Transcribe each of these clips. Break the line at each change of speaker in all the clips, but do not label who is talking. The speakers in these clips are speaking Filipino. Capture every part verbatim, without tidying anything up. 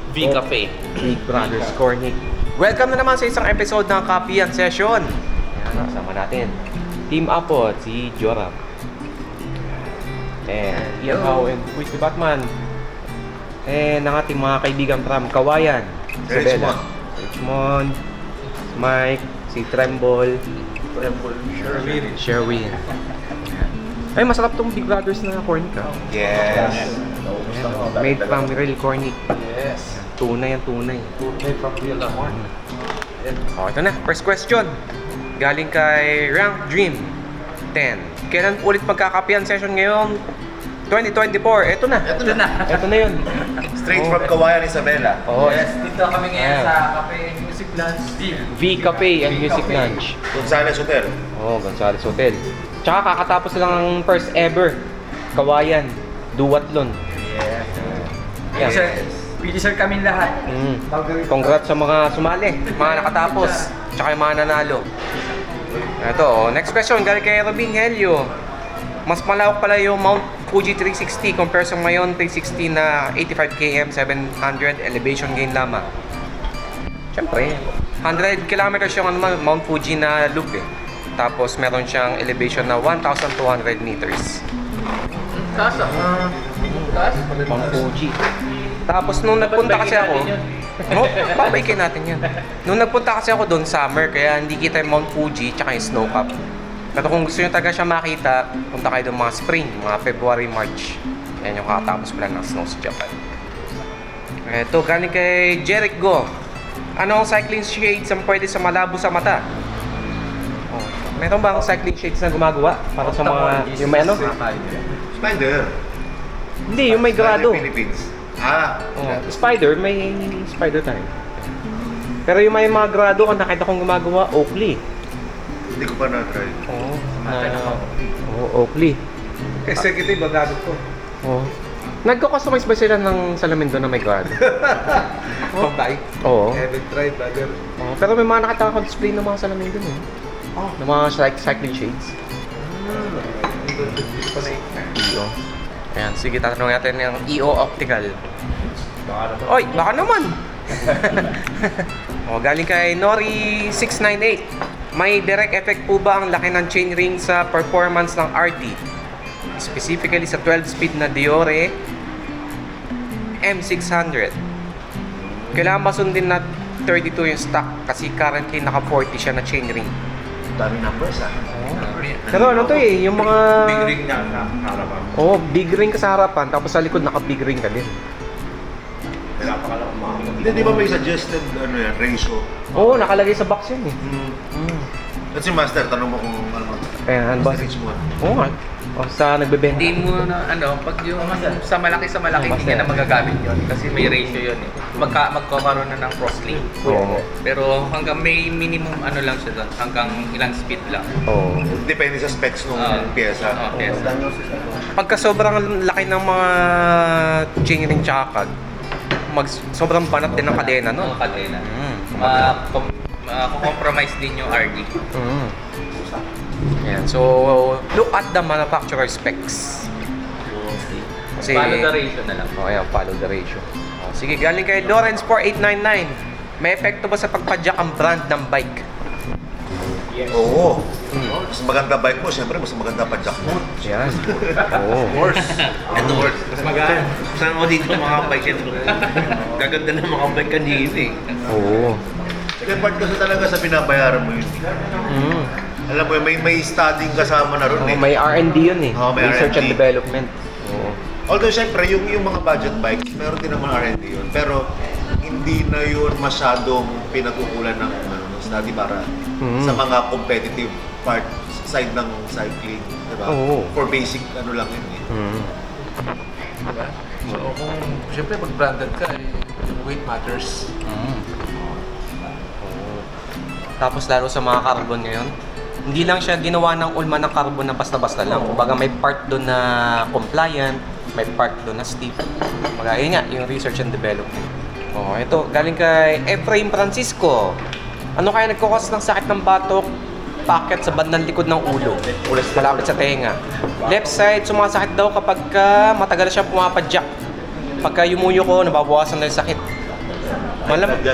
V Cafe.
Big Brothers Cornic. Welcome na naman sa isang episode ng Kapian Session. Ayan, kasama natin Team Apo, si Joram. And Ian Hao and Quiz Batman. And ang ating mga kaibigan from Kawayan, Isabela, Richmond, si Mike, si Tremble,
Sherwin.
Sherwin. Ay, masarap tong Big Brothers na cornic, ha?
Yes.
Ayan, made from real cornic.
Yes.
Tunay ang tunay.
Tunay from real corn.
Oh, ito na. First question. Galing kay Rank Dream ten. Kailan ulit magkakapian session ngayon? twenty twenty-four. Ito na.
Ito na.
Ito na yun.
Straight
Oh.
from Kawayan, Isabela.
Oh,
Yes, dito kami ngayon
Yeah.
sa Cafe Music Lounge.
V Cafe and
V
Music
Cafe.
Lounge.
Gonzales Hotel.
Oh, Gonzales Hotel. Tsaka kakatapos lang ang first ever Kawayan Duatlon.
Yes.
Yan.
Sir, Finisher kami lahat.
Mm. Congrats sa mga sumali, mga nakatapos, tsaka yung mga nanalo. Ito, oh, next question galing kay Robin Helio. Mas malawak pala yung Mount Fuji three sixty compare sa ngayon three sixty na eighty-five kilometers, seven hundred elevation gain lamang. Siyempre, one hundred kilometers yung ano, Mount Fuji na loop eh. Tapos meron siyang elevation na one thousand two hundred meters.
Taas ah. Taas.
Mount Fuji. Tapos nung nagpunta kasi ako, oh, babaikin natin yan. Nung nagpunta kasi ako doon, summer, kaya hindi kita yung Mount Fuji tsaka yung snow cap. Pero kung gusto nyo talaga siya makita, punta kayo doon mga spring, mga February, March. Yan yung kakatapos pala ng snow sa Japan. Ito, galing kay Jeric Go. Ano ang cycling shades ang pwede sa malabo sa mata? Oh, meron ba ang cycling shades na gumagawa para sa mga, yung may ano?
Spider.
Hindi, yung may grado.
Spider Philippines. Ah.
Oh, spider, may spider tayo. Pero yung may mga grado, ang nakita kong gumagawa, Oakley.
Hindi ko pa na-try.
Oo. Na, oh, Oakley.
Executive bagado ko.
Oo. Nagko-customize ba sila ng salamin doon na may grado?
Pambay.
Oo.
Haven't tried, brother.
Oo. Pero may mga nakita akong display ng mga salamin doon eh.
Oh.
Ng mga cyc- cycling shades. E O. Ayan, sige, tatanungin natin yung E O Optical. Oy, baka naman! O, galing kay Nori six nine eight. May direct effect po ba ang laki ng chainring sa performance ng R T? Specifically sa twelve speed na Diore M six hundred. Kailangan ba sundin na thirty-two yung stock kasi currently naka forty siya na chainring.
Dami numbers ah.
Pero ano to eh, yung mga...
Big ring na na harapan.
Oo, oh, big ring ka sa harapan, tapos sa likod naka-big ring ka din.
Hindi, di ba may suggested ano yan, ratio?
Oo, oh, nakalagay sa box yun eh.
Hmm.
Mm.
At si Master, tanong mo kung ano.
Ayan, ano ba?
Message mo.
Oo nga. O, sa nagbebenta.
Hindi mo na ano, pag yung sa malaki sa malaki hindi ka na magagamit yon kasi may ratio yon eh. Magka magkakaroon na ng crosslink.
Oo.
Pero hanggang may minimum ano lang siya doon, hanggang ilang speed lang.
Oo.
Depende sa specs ng
Ah.
pyesa.
Oo, yes.
Pagka sobrang laki ng mga chainring tsaka kag, mag, sobrang banat din ng kadena, no?
Ang kadena.
Mm.
Ma com- ma-compromise din yung R D.
Mm. Ayan, so look at the manufacturer specs. Kasi,
Follow the ratio na lang.
oh, ayan, follow the ratio. Oh, sige, galing kay Lawrence four eight nine nine. May epekto ba sa pagpadyak ang brand ng bike?
Oo.
Hmm.
Mas maganda bike mo, siyempre mas maganda pa jack mo.
Yan. Oo.
Horse.
Ito works. Mas magaan. Saan mo dito mga bike ito? Gaganda ng mga bike kanina eh.
Oo.
Second part kasi talaga sa binabayaran mo yun.
Mm.
Alam mo yun, may, may studying kasama na ron
Oh,
eh.
may R and D yun eh.
Oh, may
Research
R and D.
and development. Oo.
Although syempre, yung, yung mga budget bikes, meron din naman R and D yun. Pero hindi na yun masyadong pinagkukulan ng, ano, ng study para
Mm.
sa mga competitive part side ng cycling. Diba?
Oo.
For basic ano lang yun eh.
Mm.
Diba? So kung siyempre pag branded ka, eh, weight matters.
Mm. Oo. Tapos lalo sa mga carbon ngayon, hindi lang siya ginawa ng ulma ng carbon na basta-basta lang. Kumbaga may part doon na compliant, may part doon na stiff. Kumbaga yun nga, yung research and development. Oh, ito, galing kay Efraim Francisco. Ano kaya nagkukos ng sakit ng batok? Packet sa bandang likod ng ulo. Malapit sa tenga. Left side, sumasakit daw kapag ka matagal siya pumapadyak. Pagka yumuyo ko, nababawasan na yung sakit. Malam
Dyan.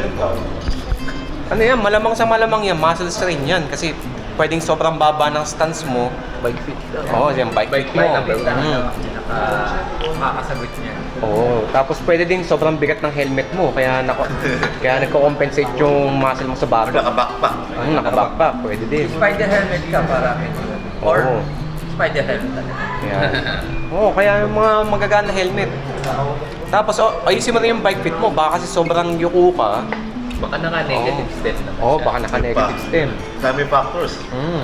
ano yan, malamang sa malamang yan, muscle strain yan. Kasi pwedeng sobrang baba ng stance mo.
Bike fit daw.
Oo, yan, bike fit mo.
Bike fit
Mm.
Naka, makakasagot niya.
Oo, tapos pwede din sobrang bigat ng helmet mo. Kaya, nako, kaya nagko-compensate yung muscle mo sa
Or
bato.
naka-backpack.
Ang nakabackpack, pwede din.
Spider helmet ka para medyo. Or
Oo.
spider helmet talaga.
Kaya, oo, kaya yung mga magagana helmet. Tapos, oh, ayusin mo rin yung bike fit mo. Baka kasi sobrang yuko ka.
Baka naka-negative step naman
Oo, oh,
siya.
baka naka-negative stem.
Dami factors.
Mm.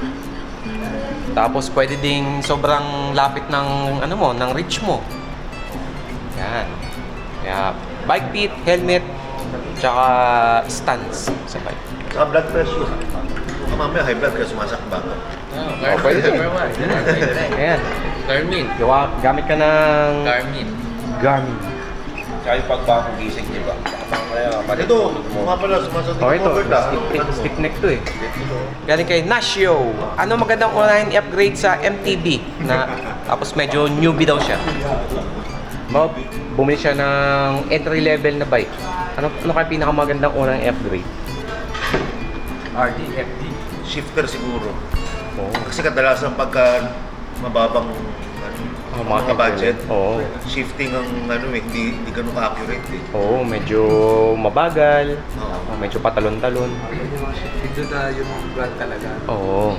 Tapos pwede ding sobrang lapit ng ano mo, ng reach mo. Yan. Kaya bike fit, helmet, tsaka stance sa bike.
Saka blood pressure. Baka mamaya high blood kaya sumasakba ka.
Oh, pwede din. Ayan.
Garmin.
Gawa, gamit ka ng
Garmin.
Garmin.
Tsaka yung pagbagong gising, di ba? Parang kaya,
Ito, mga pala sumasagot
Oh, ito.
covered ah.
Stick,
Ano mo?
stick neck to eh. Galing kay Nashio. Ano magandang unahin i-upgrade sa M T B? Na, tapos medyo newbie daw siya. Ba, bumili siya ng entry level na bike. Ano, ano kaya pinakamagandang unang i-upgrade?
R D, F D.
Shifter siguro.
Oo.
Kasi kadalasan pagka mababang ano,
Oh,
mga budget,
Oo.
shifting ang ano eh, hindi, hindi ganun ka-accurate eh.
Oo, medyo mabagal.
Oo.
Oh, medyo patalon-talon.
Ito na yung brand talaga.
Oo.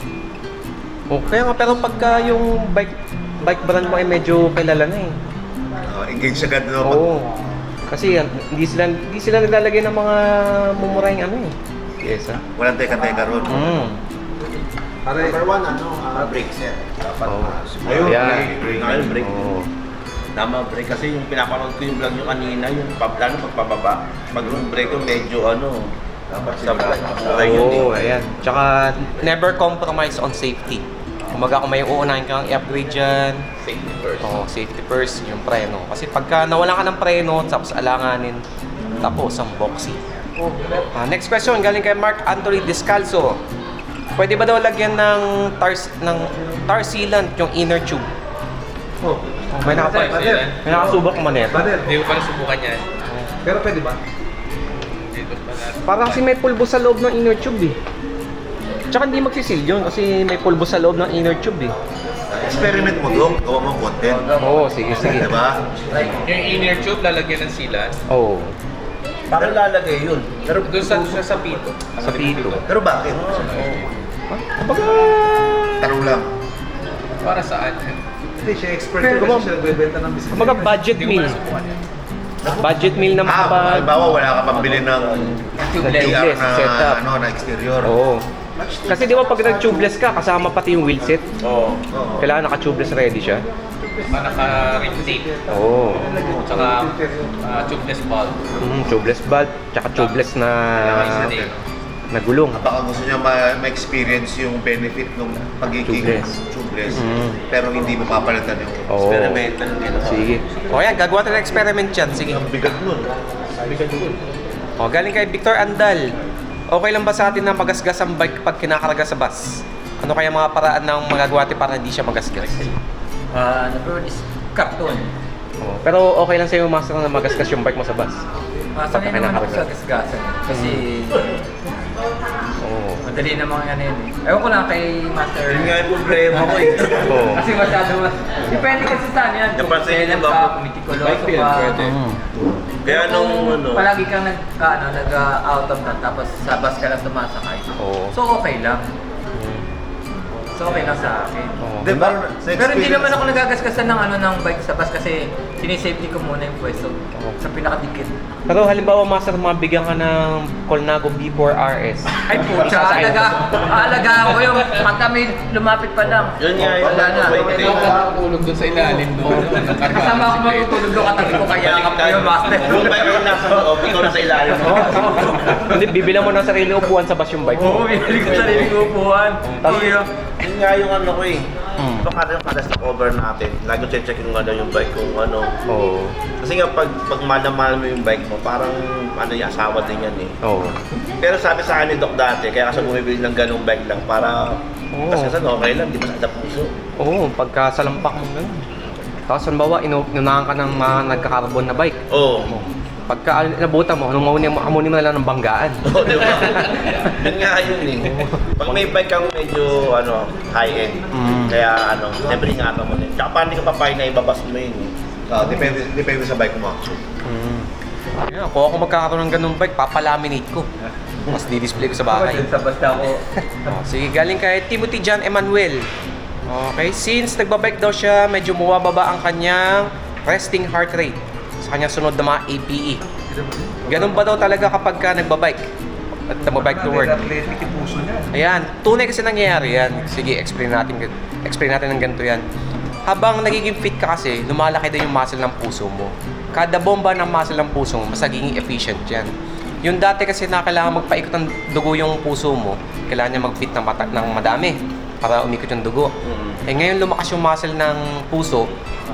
Oh, kaya nga, pero pagka yung bike bike brand mo ay medyo kilala na eh.
Uh, engage agad na pag
Oo. Kasi yan, hindi sila hindi sila naglalagay ng mga mumurahing ano eh. Yes, ah.
walang teka-teka ron.
Mm.
Number one, ano, uh, brake set. Dapat
Oo.
uh,
Ayun,
Yan.
brake, brake.
Ayun, brake.
Oo.
Tama, brake. Kasi yung pinapanood ko yung vlog nyo kanina, yung pab- lalo pagpababa. Pag yung brake yung medyo ano, dapat sa brake. Okay yun
Oo,
eh.
ayan. Tsaka, never compromise on safety. Kumaga kung may uunahin kang i-upgrade dyan,
Safety first.
oh, safety first, yung preno. Kasi pagka nawalan ka ng preno, tapos alanganin, tapos ang boxy. Ah, next question, galing kay Mark Anthony Descalzo. Pwede ba daw lagyan ng tar, ng tar sealant yung inner tube?
Oh.
May, nakapa,
Brother.
may nakasubok mo nito.
Brother.
Hindi ko pa nasubukan yan.
Pero pwede ba?
Dito pa na.
Parang kasi may pulbo sa loob ng inner tube eh. Tsaka hindi magsisil yun kasi may pulbo sa loob ng inner tube eh.
Experiment mo doon, gawa mo content.
Oo, sige, sige.
Diba?
Like, yung inner tube lalagyan ng sealant.
Oo.
Parang lalagay yun.
Pero,
Doon sa, sa, sa pito.
Sa pito.
pero bakit?
Kumbaga,
Tanong lang.
Para saan?
Hindi, siya expert
Pero
yun
kumbaga-
kasi siya nagbebenta ng business.
kumbaga budget
Hindi ko pa
meal.
nasubukan yan.
Budget meal na
Ah,
makapag...
halimbawa wala ka pambili ng
Tubeless.
T R na,
setup.
ano, na exterior.
Oo. Kasi di ba pag nag-tubeless ka, kasama pati yung wheelset.
Oo.
Oo.
Kailangan naka-tubeless ready siya.
Ah, naka-ring tape.
Oo.
Tsaka ah, tubeless bulb.
Mm, tubeless valve, tsaka tubeless na
Naka-tape.
na gulong.
Baka gusto niya ma- ma-experience yung benefit ng pagiging
Tubeless.
tubeless.
Mm.
Pero hindi mo papalitan yung
Oo.
Experimental yun.
Sige. O yan, gagawa tayo ng experiment yan. Sige.
Ang bigat nun.
O, galing kay Victor Andal. Okay lang ba sa atin na magasgas ang bike pag kinakarga sa bus? Ano kaya mga paraan ng magagawa natin para hindi siya magasgas?
Ah, number one is carton.
O, pero okay lang sa'yo, master, na magasgas yung bike mo sa bus?
Ah, sanay
Pagka
naman ako
kinakarga.
sa gasgasan. Kasi
Oo.
madali namang ano yun eh. Ewan ko lang kay Master.
Yun nga yung problema ko eh.
Oo.
Kasi masyado mas... Depende kasi saan yan. Kung
Napansin
kailan
niyo ba?
ka, kumitikuloso ka.
Mm.
Kaya nung ano,
Palagi kang nag, ano, nag-out of that, tapos sa bus ka lang sumasakay.
Oo.
So okay lang. So okay lang sa akin.
Oo.
Hindi, parang sa
Pero hindi
experience-
naman ako nagagasgasan ng ano ng bike sa bus kasi sinisafety ko muna yung pwesto sa pinakadikit.
Pero halimbawa, master, mabigyan ka ng Colnago B four R S.
Ay po,
Isa sa
alaga, aalagaan ko yung pagka may lumapit pa lang.
yun nga yung
Wala na.
wait,
Okay,
eh.
okay.
Tulog doon sa ilalim doon.
Kasama ako matutulog doon katabi ko kaya ako yung master.
Yung bike yung nasa loob, ikaw nasa ilalim mo.
Hindi, bibilang mo ng sarili upuan sa bus yung bike
Oo,
mo.
bibili ko sarili ko upuan. Iyo.
Yun nga yung ano ko eh.
Mm.
Ito kada yung kada stock over natin. Lagi ko check yung ano yung bike kung ano.
Oo.
Kasi nga pag, pag mahal mo yung bike mo, parang ano yung asawa din yan eh.
Oo.
Pero sabi sa akin ni Doc dati, kaya kasi bumibili ng ganung bike lang para
Oo.
kasi kasi okay lang, di ba sa puso.
Oo, pagka salampak mo ganun. Tapos halimbawa, inu- inunahan ka ng mga nagka-carbon na bike.
Oo.
Oh. Pagka nabutan mo, humunin mo, hamunin mo na lang ng banggaan.
Oo, di ba? Yun nga yun eh. Pag may bike kang medyo ano, high-end,
Mm.
kaya ano, siyempre ingatan mo din. Tsaka paano di ka papayag na ibabas mo yun eh.
Ah, depende, depende sa bike mo actually.
Mm. Yeah, kung ako magkakaroon ng ganung bike, papalaminate ko. Mas di-display ko sa bahay.
Sa basta ako.
Oh, sige, galing kay Timothy John Emmanuel. Okay, since nagbabike daw siya, medyo bumababa ang kanyang resting heart rate sa kanyang sunod na mga A P E. Ganun ba daw talaga kapag ka nagbabike at nagbabike to work?
Athletic yung puso niya.
Ayan, tunay kasi nangyayari yan. Sige, explain natin, explain natin ng ganito yan. Habang nagiging fit ka kasi, lumalaki din yung muscle ng puso mo. Kada bomba ng muscle ng puso mo, mas nagiging efficient yan. Yung dati kasi na kailangan magpaikot ng dugo yung puso mo, kailangan niya mag-beat ng, mata- ng madami para umikot yung dugo.
Mm.
Eh ngayon lumakas yung muscle ng puso,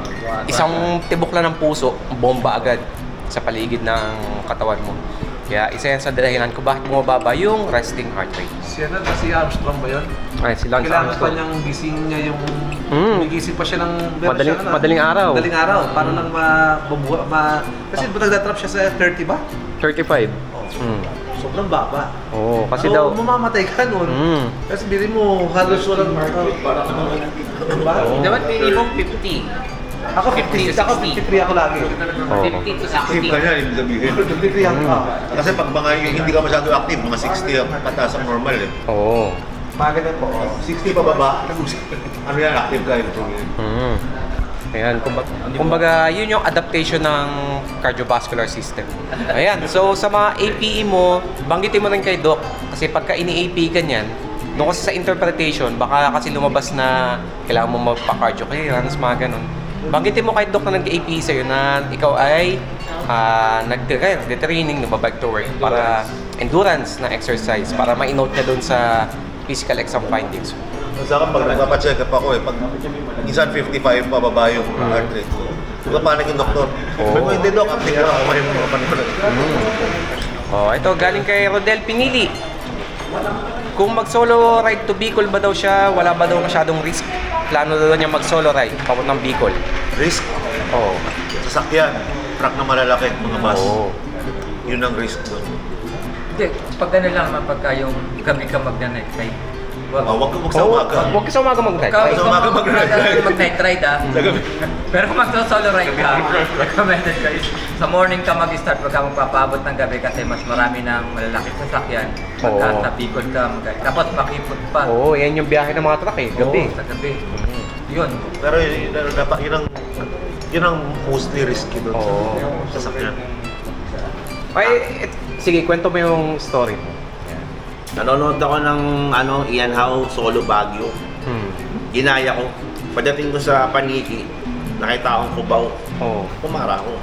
isang tibok lang ng puso, bomba agad sa paligid ng katawan mo. Kaya isa yan sa dahilan ko bakit bumababa yung resting heart rate.
Si ano, si Armstrong ba yun?
Ay, si Lance
Kailangan pa
Armstrong.
niyang gising niya yung...
Mm.
Gigising pa siya ng... meron
Madaling-
siya na-
madaling araw.
Madaling araw. Para lang mabubuha... Ma, kasi oh. nagdatrap siya sa thirty ba?
thirty-five.
Oh.
Mm.
Sobrang baba.
Oo, kasi
so,
daw...
mamamatay ka nun.
Mm.
Kasi bilhin mo, halos walang... Uh, para diba?
Oo.
Dapat minimum fifty.
Ako fifty, ako fifty-three ako lagi.
Oo.
fifty to
Active
sixty.
ka niya, ibig sabihin.
fifty-three ako.
Mm.
Ah.
Kasi pag mga yung hindi ka masyado active, mga sixty ang pataas ang normal eh.
Oo.
Mga ganun po. Oh.
sixty pa baba, ano yan, active ka ibig sabihin.
Mm. Ayan, kumbaga, kumbaga, yun yung adaptation ng cardiovascular system. Ayan, so sa mga A P E mo, banggitin mo rin kay Doc. Kasi pagka ini-A P E ka niyan, doon kasi sa interpretation, baka kasi lumabas na kailangan mo magpa-cardio clearance, mga ganun. Banggitin mo kay Doc na nag-A P E sa'yo na ikaw ay uh, nag-training, nag-bike to work para endurance na exercise, para ma-note niya doon sa physical exam findings.
Sa akin, pag nagpapacheck up ako eh, pag minsan fifty-five pababa yung heart rate ko. Nagpapanik yung doktor.
Oo.
Sabi ko, hindi dok, update ko ako yung mga panahon.
Oh, ito galing kay Rodel Pinili. Kung mag-solo ride to Bicol ba daw siya, wala ba daw masyadong risk? Plano daw niya mag-solo ride papuntang Bicol.
Risk,
Oo.
sasakyan, truck na malalaki, mga bus.
Oo.
Yun ang risk doon.
Hindi, pag ano lang naman pagka yung gabi ka mag-night ride.
Oh, wag ka
Oo,
magsamaga.
Huwag ka sa umaga mag-ride.
Ikaw,
Sa
ikaw
umaga mag-night ride.
mag-night ride ah.
Sa gabi.
Pero kung mag-solo ride ka, recommended ka is, sa morning ka mag-start pagka magpapaabot ng gabi kasi mas marami ng malalaking sasakyan. Pagka
Oo.
sa Bicol ka mag Tapos makipot pa.
Oo, yan yung biyahe ng mga truck eh, gabi.
Oo, sa gabi.
Mhm.
Yun.
Pero yun, yun, dapat, yun ang, yun ang mostly risky doon
Oo.
sa sasakyan.
Ay, et, sige, kwento mo yung story mo.
Nanonood ako ng ano, Ian Howe Solo Baguio.
Hmm.
Ginaya ko. Pagdating ko sa Paniki, nakita akong kubaw.
Oo.
Pumara ako.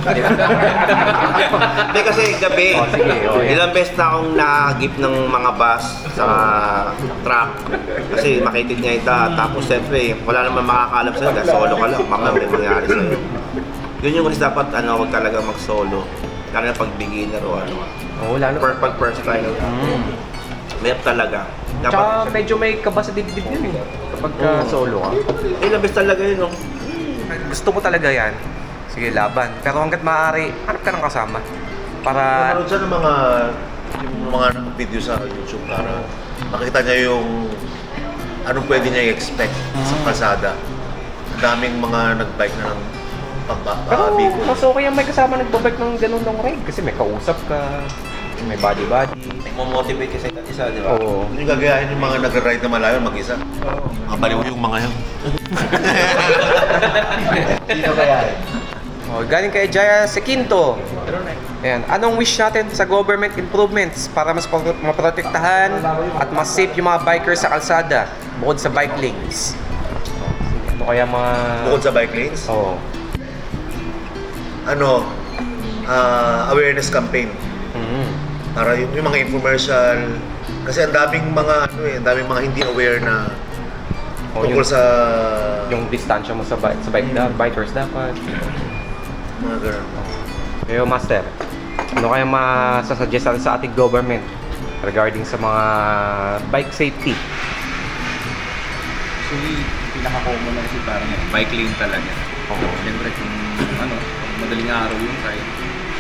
Hindi kasi gabi,
Oh, sige, oh, yeah.
ilang beses na akong nakagip ng mga bus sa truck. Kasi makitid niya ita. Tapos siyempre, wala naman makakalam sa'yo dahil solo ka lang. Baka may mangyari sa'yo. Yun yung kasi dapat ano, wag talaga mag-solo. Lalo na pag beginner o ano.
Oo, lalo.
Per, pag first time.
Mm.
Mayroon talaga.
Tsaka medyo may kaba sa dibdib yun eh. Kapag ka
Oo.
solo ka.
Ilang beses talaga yun. No?
Gusto mo talaga yan. Sige, laban. Pero hanggat maaari, hanap ka ng kasama. Para...
Nanonood siya ng mga, yung mga video sa YouTube para makita niya yung anong pwede niya i-expect sa kalsada. Ang daming mga nag-bike na ng
Pero
pagbabigo.
mas okay yung may kasama nagbabike ng ganun long ride. Kasi may kausap ka, may body-body.
Nagmo-motivate kasi isa't isa, di ba?
Oo.
Yung gagayahin yung mga nag-ride na malayo mag-isa.
Oo.
Ang baliw yung mga yun.
Sino kaya?
Oh, galing kay Jaya Sequinto. Ayan. Anong wish natin sa government improvements para mas pro- maprotektahan at mas safe yung mga bikers sa kalsada bukod sa bike lanes? Ano kaya mga...
Bukod sa bike lanes,
Oo.
ano, ah, awareness campaign.
Mhm.
Para yung, yung mga infomercial. Kasi ang daming mga, ano eh, ang daming mga hindi aware na
Oh,
tungkol
yung-
sa
Yung distansya mo sa bike, sa bike da, bikers dapat.
mga ganun.
Pero Master, ano kaya masasuggest natin sa ating government regarding sa mga bike safety?
Actually, pinaka-common na kasi parang yan, bike lane talaga.
Oo.
Siyempre kung ano, pag madaling araw yun kahit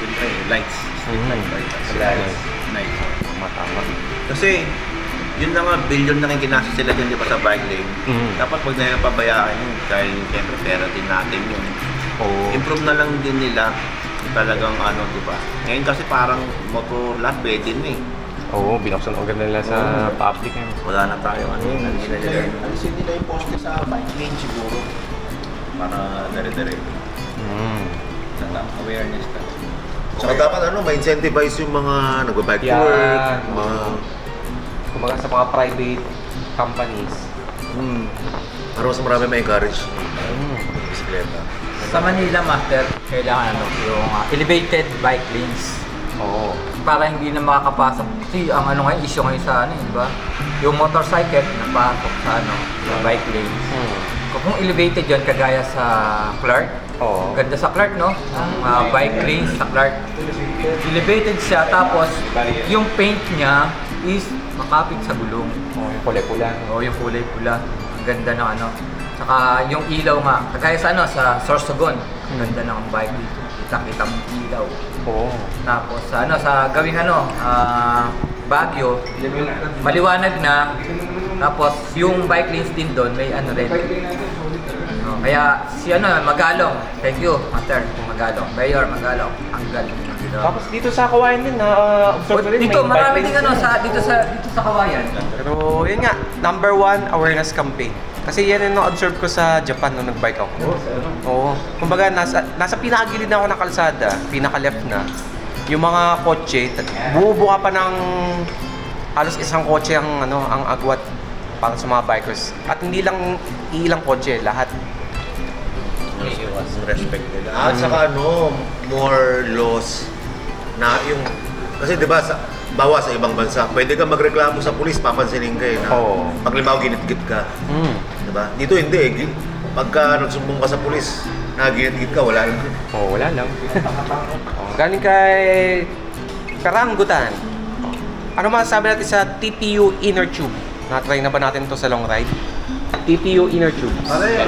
siyempre, lights. Street
Mhm.
light, lights.
Lights.
Lights.
Tama, tama.
Kasi, yun na nga, billion na rin kinasa sila dyan, di ba, sa bike lane.
Mhm.
Dapat wag na yung pabayaan yun, dahil siyempre pera din natin yun.
Oo.
Improve na lang din nila talagang ano, di ba? Ngayon kasi parang motor lahat pwede na eh.
Oo, binuksan ang ganda nila sa public. Eh.
Wala na tayo ano yun. Alisin nila
Alisin nila yung poste sa bike lane siguro.
para dere-dere.
Mm.
Lang awareness ka.
Saka dapat ano, ma-incentivize yung mga nagba-bike to
Yan.
work, mga...
Kumbaga sa mga private companies.
Hmm, para mas marami ma-encourage
Mm.
bisikleta.
Sa Manila, Master, kailangan ano, yung uh, elevated bike lanes.
Oo.
Para hindi na makakapasok. Kasi ang ano ngayon, issue ngayon sa ano, eh, di ba? Yung motorcycle, napasok sa ano, sa bike lanes.
Mm.
Kung elevated yun, kagaya sa Clark,
Oo.
ganda sa Clark, no? Ang uh, bike lanes sa Clark. Elevated siya, tapos yung paint niya is makapit sa gulong.
Oo, yung kulay pula.
O yung kulay pula. Ang ganda ng ano. Saka yung ilaw nga, kagaya sa ano, sa Sorsogon. Ang ganda ng bike dito. Kita-kita mong ilaw.
Oo.
Tapos sa ano, sa gawing ano, ah, Baguio, maliwanag na. Tapos yung bike lanes din doon, may ano rin. No, kaya si ano, Magalong. Thank you, Master. Magalong. Mayor Magalong. Ang galing.
Tapos dito sa Kawayan din, na-observe ko rin.
Dito,
may
marami
bike
din
lanes
ano,
din.
sa, dito sa, dito sa Kawayan.
Pero yun nga, number one, awareness campaign. Kasi yan yung na-observe ko sa Japan nung nag-bike ako. Oo. Kumbaga, nasa, nasa pinakagilid na ako ng kalsada, pinaka-left na. Yung mga kotse, bumubuka pa ng halos isang kotse ang, ano, ang agwat para sa mga bikers. At hindi lang iilang kotse, lahat.
Yung respect nila.
At saka ano, more laws na yung... Kasi di ba, sa, bawa sa ibang bansa, pwede ka magreklamo sa pulis, papansinin ka eh, na
Oo.
pag limaw ginit-git ka.
Mm.
Di ba? Dito hindi eh. Gi- Pagka nagsumbong ka sa pulis, naginit-git ka, wala lang.
Oo, wala lang. oh, galing kay Karanggutan. Ano masasabi natin sa T P U Inner Tube? Na-try na ba natin to sa long ride? T P U Inner Tube.
Pare!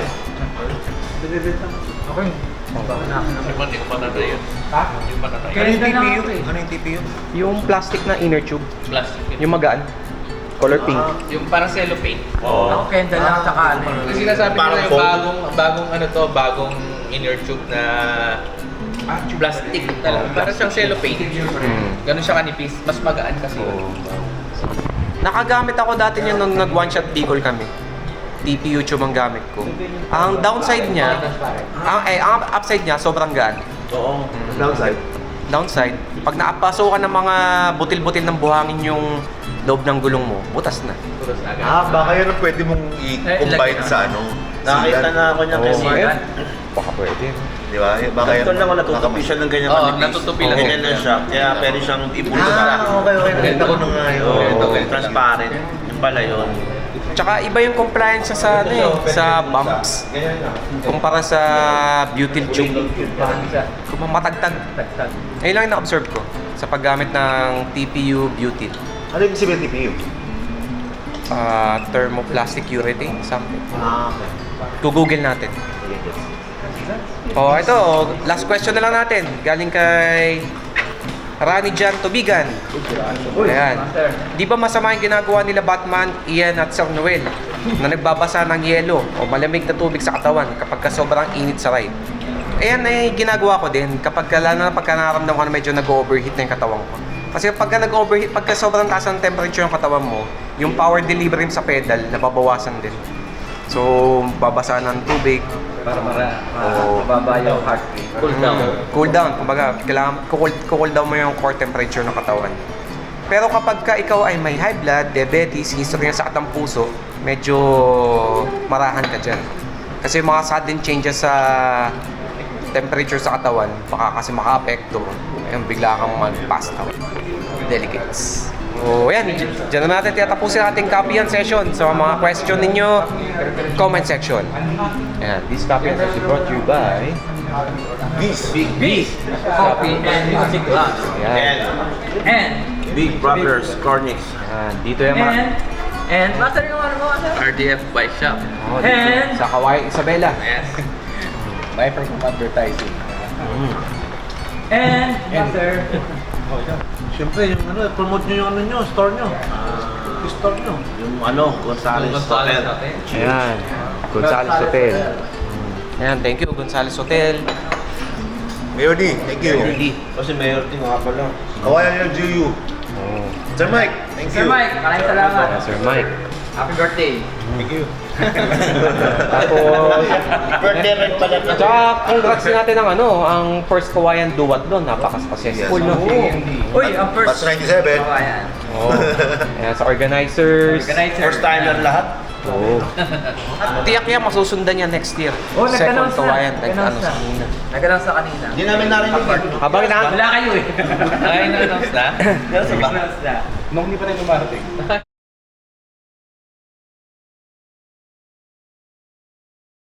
Okay.
Hindi ko pa tatry yun.
Ha?
Hindi ko pa tatry.
Ano yung
Ganda
T P U?
na ako eh.
Ano yung T P U?
Yung plastic na inner tube.
Plastic yun.
Yung magaan. Color pink.
Yung parang cellophane.
Ako kenda lang sa ano. eh.
Kasi sinasabi
Parang
nila yung
foam.
bagong, bagong ano to, bagong inner tube na plastic na lang. Parang siyang cellophane.
Mm.
Ganun siya kanipis. Mas magaan kasi.
Oo. Nakagamit ako dati niya nung nag one shot Bicol kami. T P U tube ang gamit ko. Ang downside niya, ang, eh, ang upside niya sobrang gaan.
Oo. Downside.
Downside, pag naapaso ka ng mga butil-butil ng buhangin yung loob ng gulong mo, butas na.
Puros agad.
Ah, baka yan ang pwede mong i-combine
ilagay na.
sa ano.
Nakita
sedan.
na ako niya
Oo,
kasi.
eh. Baka pwede.
Di ba? Baka yan.
Ito lang ako natutupi siya ng ganyan
Oo,
kanipis.
natutupi lang.
Ganyan lang siya. Kaya pwede siyang ibulong
Ah, okay, okay. Nakita ko na nga yun.
Oo,
Oo.
transparent. Yung pala yun.
Tsaka iba yung compliance niya sa ano eh, sa bumps. Kumpara sa butyl tube. Kung matagtag.
Tagtag.
Ayun lang yung na-observe ko sa paggamit ng T P U butyl.
Ano yung sabihin T P U?
Uh, thermoplastic urethane, something.
Ah, okay.
Google natin. Oh, ito, last question na lang natin. Galing kay Rani Jan Tubigan. Ayan.
Master.
Di ba masama yung ginagawa nila Batman, Ian at Sir Noel na nagbabasa ng yelo o malamig na tubig sa katawan kapag ka sobrang init sa ride? Ayan ay ginagawa ko din kapag ka, lalo na pagka naramdaman ko na medyo nag-overheat na yung katawan ko. Kasi pagka nag-overheat, pagka sobrang taas ng temperature ng katawan mo, yung power delivery sa pedal, nababawasan din. So, babasa ng tubig.
Para mara,
Oo.
mababa yung heart rate. Cool down.
Mm, cool down. Kumbaga, kailangan kukul, kukul down mo yung core temperature ng katawan. Pero kapag ka ikaw ay may high blood, diabetes, history ng sakit ng puso, medyo marahan ka dyan. Kasi yung mga sudden changes sa temperature sa katawan, baka kasi maka-apekto, ayun, bigla kang mag-pass out. Delicates. So, yan. Diyan na natin tiyatapusin ating copy and session. So, mga question ninyo, comment section. Ayan. This copy and session brought to you by
This.
Beef, coffee, and music class.
Ayan.
And,
Big Brothers Cornix.
Ayan. Dito yung mga...
and, and, master yung ano mo, ano?
R D F Bike Shop.
Oh, dito,
And-
sa Kawaii Isabela.
Yes.
May for some advertising.
Mm.
And, Master.
Siyempre, yung ano, promote nyo yung ano nyo, store nyo. Yung store nyo.
Yung ano, Gonzales
Gonzales
Hotel.
natin.
Ayan, Gonzales Hotel. Ayan, thank you, Gonzales Hotel.
Mayor D, thank you.
Kasi Mayor Ting nga pala.
Kawayan L G U.
Oh,
Sir Mike, thank you.
Sir Mike, maraming salamat.
ayan, Sir Mike.
Happy birthday.
Thank you.
Tapos,
Birthday rin pala na.
tsaka congrats din natin ang ano, ang first Kawayan Duwat doon. Napaka-successful, no?
Uy, ang first.
Batch ninety-seven.
Oh, ayan.
Oh, ayan, sa organizers.
Organizer.
First time lang lahat.
Oo. At tiyak yan, masusundan yan next year.
Oh,
Second
nag-announce na.
Kawayan, nag-ano
Nag-announce
sa
na.
kanina.
Nag-announce sa kanina.
Hindi namin narinig yun.
Habang na,
Wala kayo eh.
Ay, na-announce na?
Nag-announce na.
Nung hindi pa rin dumarating.